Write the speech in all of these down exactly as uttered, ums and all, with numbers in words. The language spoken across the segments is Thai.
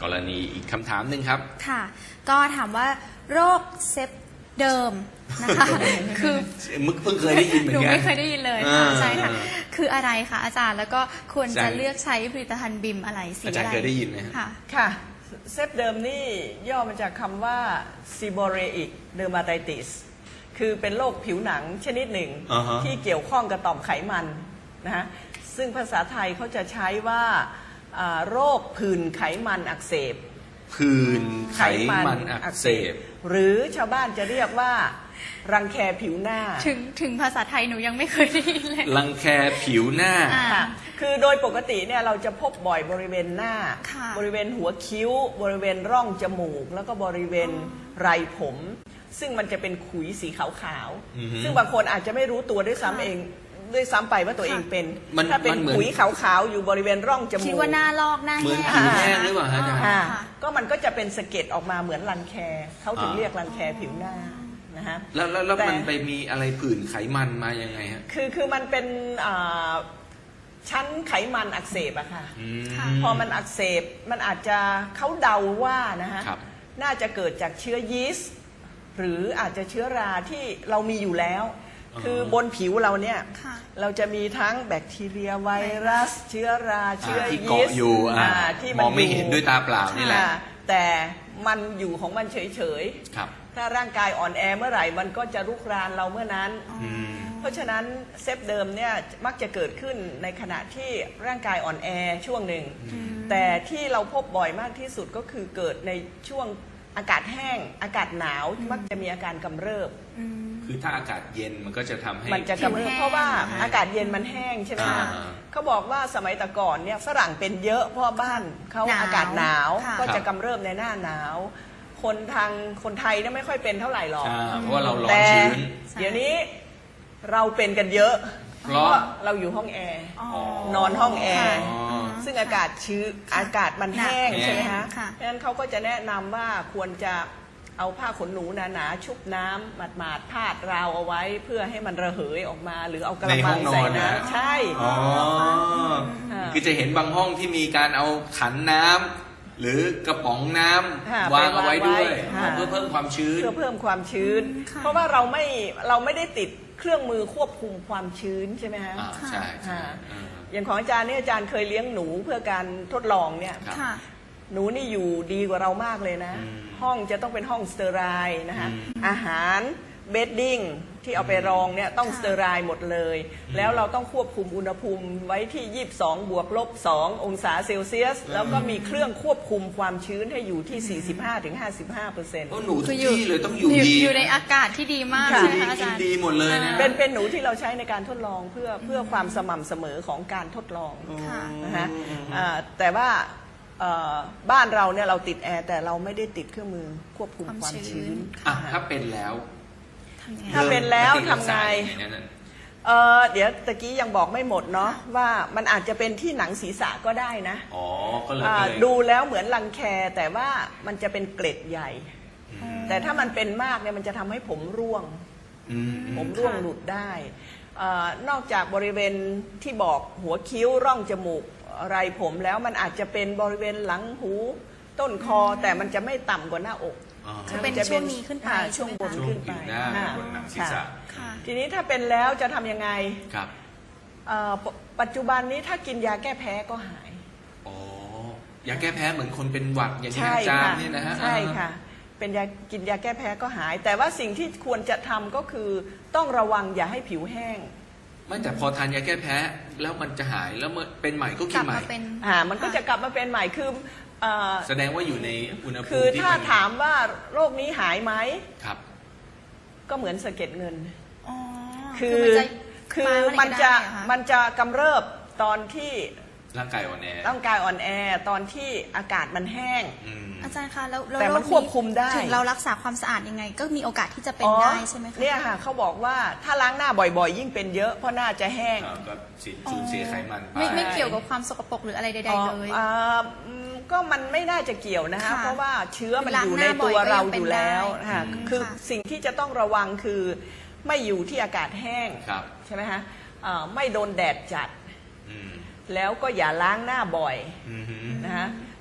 กรณีอีกคำถามหนึ่งครับค่ะก็ถามว่าโรคเซปเดิมนะคะคือมึกเพิ่งเคยได้ยินเหมือนกันหนูไม่เคยได้ยินเลยค่ะใช่ค่ะคืออะไรคะอาจารย์แล้วก็ควรจะเลือกใช้ผลิตภัณฑ์บิมอะไรสีอะไรอาจารย์เคยได้ยินไหมค่ะค่ะเซปเดิมนี่ย่อมาจากคำว่า seborrheic dermatitis คือเป็นโรคผิวหนังชนิดหนึ่ง uh-huh. ที่เกี่ยวข้องกับต่อมไขมันนะฮะซึ่งภาษาไทยเขาจะใช้ว่าโรคผื่นไขมันอักเสบผื่นไขมันอักเสบหรือชาวบ้านจะเรียกว่ารังแคผิวหน้าถึงถึงภาษาไทยหนูยังไม่เคยได้ยินเลยรังแคผิวหน้าคือโดยปกติเนี่ยเราจะพบบ่อยบริเวณหน้าบริเวณหัวคิ้วบริเวณร่องจมูกแล้วก็บริเวณไรผมซึ่งมันจะเป็นขุยสีขาวๆซึ่งบางคนอาจจะไม่รู้ตัวด้วยซ้ำเองด้วยซ้ำไปว่าตัวเองเป็นถ้าเป็นขุยขาวๆอยู่บริเวณร่องจมูกคิดว่าหน้าลอกหน้าเหมือนผิวแห้งหรือเปล่าอาจารย์ก็มันก็จะเป็นสะเก็ดออกมาเหมือนรังแคเขาถึงเรียกรังแคผิวหน้านะฮะแล้วแล้วมันไปมีอะไรผื่นไขมันมายังไงฮะคือคือมันเป็นชั้นไขมันอักเสบอะค่ะพอมันอักเสบมันอาจจะเขาเดาว่านะฮะน่าจะเกิดจากเชื้อยีสต์หรืออาจจะเชื้อราที่เรามีอยู่แล้วคือบนผิวเราเนี่ยเราจะมีทั้งแบคทีเรียไวรัสเชื้อราเชื้อยีสต์ที่มองไม่เห็นด้วยตาเปล่านี่แหละแต่มันอยู่ของมันเฉยๆถ้าร่างกายอ่อนแอเมื่อไหร่มันก็จะรุกรานเราเมื่อนั้นเพราะฉะนั้นเซปเดิมเนี่ยมักจะเกิดขึ้นในขณะที่ร่างกายอ่อนแอช่วงหนึ่งแต่ที่เราพบบ่อยมากที่สุดก็คือเกิดในช่วงอากาศแห้งอากาศหนาวมักจะมีอาการกำเริบคือถ้าอากาศเย็นมันก็จะทำให้มันจะกำเริบเพราะว่าอากาศเย็นมันแห้งใช่ไหมเขาบอกว่าสมัยแต่ก่อนเนี่ยฝรั่งเป็นเยอะเพราะบ้านเขาอากาศหนาวก็จะกำเริบในหน้าหนาวคนทางคนไทยเนี่ยไม่ค่อยเป็นเท่าไหร่หรอกเพราะว่าเราร้อนชื้นเดี๋ยวนี้เราเป็นกันเยอะเพราะเราอยู่ห้องแอร์นอนห้องแอร์ซึ่งอากาศชื้นอากาศมันแห้งใช่ไหมฮะเพราะฉะนั้นเขาก็จะแนะนำว่าควรจะเอาผ้าขนหนูหนาๆชุบน้ำหมาดๆพาดราวเอาไว้เพื่อให้มันระเหยออกมาหรือเอากระมังใส่น้ำใช่คือจะเห็นบางห้องที่มีการเอาขันน้ำหรือกระป๋องน้ำวางเอาไว้ด้วยเพื่อเพิ่มความชื้นเพื่อเพิ่มความชื้นเพราะว่าเราไม่เราไม่ได้ติดเครื่องมือควบคุมความชื้นใช่ไหมฮะใช่ใช่อย่างของอาจารย์เนี่ยอาจารย์เคยเลี้ยงหนูเพื่อการทดลองเนี่ยหนูนี่อยู่ดีกว่าเรามากเลยนะห้องจะต้องเป็นห้องสเตอไรล์นะคะอาหารเบดดิ้งที่เอาไปรองเนี่ยต้องสเตอไรล์หมดเลยแล้วเราต้องควบคุมอุณหภูมิไว้ที่ยี่สิบสองบวกลบสององศาเซลเซียสแล้วก็มีเครื่องควบคุมความชื้นให้อยู่ที่ สี่สิบห้าถึงห้าสิบห้าเปอร์เซ็นต์หนูทุกที่เลยต้องอยู่ดีอยู่ในอากาศที่ดีมากใช่ไหมคะอาจารย์ดีหมดเลยนะเป็นเป็นหนูที่เราใช้ในการทดลองเพื่อเพื่อความสม่ำเสมอของการทดลองนะฮะแต่ว่าบ้านเราเนี่ยเราติดแอร์แต่เราไม่ได้ติดเครื่องมือควบคุมความชื้นถ้าเป็นแล้วถ้าเป็นแล้วทำไงเเดี๋ยวตะกี้ยังบอกไม่หมดเนาะว่ามันอาจจะเป็นที่หนังศีรษะก็ได้นะอ๋อก็เลยดูแล้วเหมือนรังแคแต่ว่ามันจะเป็นเกล็ดใหญ่แต่ถ้ามันเป็นมากเนี่ยมันจะทำให้ผมร่วงผมร่วงหลุดได้นอกจากบริเวณที่บอกหัวคิ้วร่องจมูกไรผมแล้วมันอาจจะเป็นบริเวณหลังหูต้นคอแต่มันจะไม่ต่ำกว่าหน้าอกจะเป็นช่วงนี้ขึ้นไปช่วงบนขึ้นไปบนหนังศีรษะทีนี้ถ้าเป็นแล้วจะทำยังไงครับปัจจุบันนี้ถ้ากินยาแก้แพ้ก็หายอ๋อยาแก้แพ้เหมือนคนเป็นหวัดอย่างที่อาจารย์นี่นะฮะใช่ค่ะเป็นยากินยาแก้แพ้ก็หายแต่ว่าสิ่งที่ควรจะทำก็คือต้องระวังอย่าให้ผิวแห้งไม่แต่พอทานยาแก้แพ้แล้วมันจะหายแล้วเมื่อเป็นใหม่ก็กินใหม่อ่ามันก็จะกลับมาเป็นใหม่คือแสดงว่าอยู่ในอุณหภูมิคือถ้าถามว่าโรคนี้หายไหมครับก็เหมือนสะเก็ดเงินคือคือมันจะมันจะกำเริบตอนที่ร่างกายอ่อนแอร่างกายอ่อนแอตอนที่อากาศมันแห้งอาจารย์คะแล้วแต่มันควบคุมได้ถึงเรารักษาความสะอาดยังไงก็มีโอกาสที่จะเป็นได้ใช่ไหมคะเนี่ยค่ะเขาบอกว่าถ้าล้างหน้าบ่อยๆยิ่งเป็นเยอะเพราะหน้าจะแห้งก็สูญเสียไขมันไปไม่ไม่เกี่ยวกับความสกปรกหรืออะไรใดๆเลยก็มันไม่น่าจะเกี่ยวนะคะเพราะว่าเชื้อมันอยู่ในตัวเราอยู่แล้วค่ะคือสิ่งที่จะต้องระวังคือไม่อยู่ที่อากาศแห้งใช่ไหมคะไม่โดนแดดจัดแล้วก็อย่าล้างหน้าบ่อยนะคะ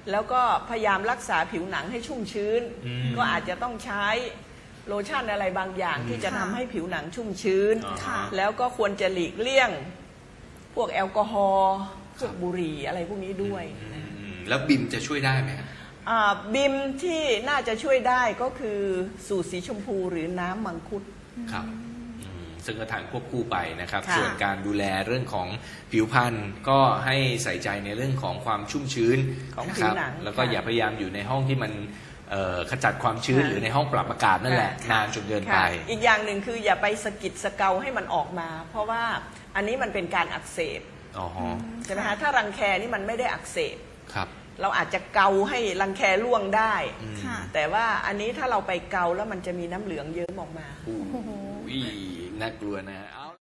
แล้วก็พยายามรักษาผิวหนังให้ชุ่มชื้นอืมก็อาจจะต้องใช้โลชั่นอะไรบางอย่างอืมที่จะทำให้ผิวหนังชุ่มชื้นอ๋อค่ะแล้วก็ควรจะหลีกเลี่ยง พวกแอลกอฮอล์พวกครับบุหรี่อะไรพวกนี้ด้วยอืมอืมแล้วบิมจะช่วยได้ไหมครับอ่าบิมที่น่าจะช่วยได้ก็คือสูตรสีชมพูหรือน้ำมังคุดครับอืมซึ่งก็ทานควบคู่ไปนะครับค่ะส่วนการดูแลเรื่องของผิวพรรณก็ให้ใส่ใจในเรื่องของความชุ่มชื้นของนะผิคว รับหนังแล้วก็ค่ะอย่าพยายามอยู่ในห้องที่มันเอ่อขจัดความชื้นค่ะหรือในห้องปรับอากาศนั่นแหละค่ะนานจนเกินไปค่ะอีกอย่างหนึ่งคืออย่าไปสะกิดสะเกาให้มันออกมา เพราะว่าอันนี้มันเป็นการอักเสบอ๋อฮะใช่ไหมคะถ้ารังแคนี่มันไม่ได้อักเสบครับเราอาจจะเกาให้รังแคร่วงได้อืมค่ะแต่ว่าอันนี้ถ้าเราไปเกาแล้วมันจะมีน้ำเหลืองเยิ้มออกมาโอ้โหน่ากลัวนะฮะเอา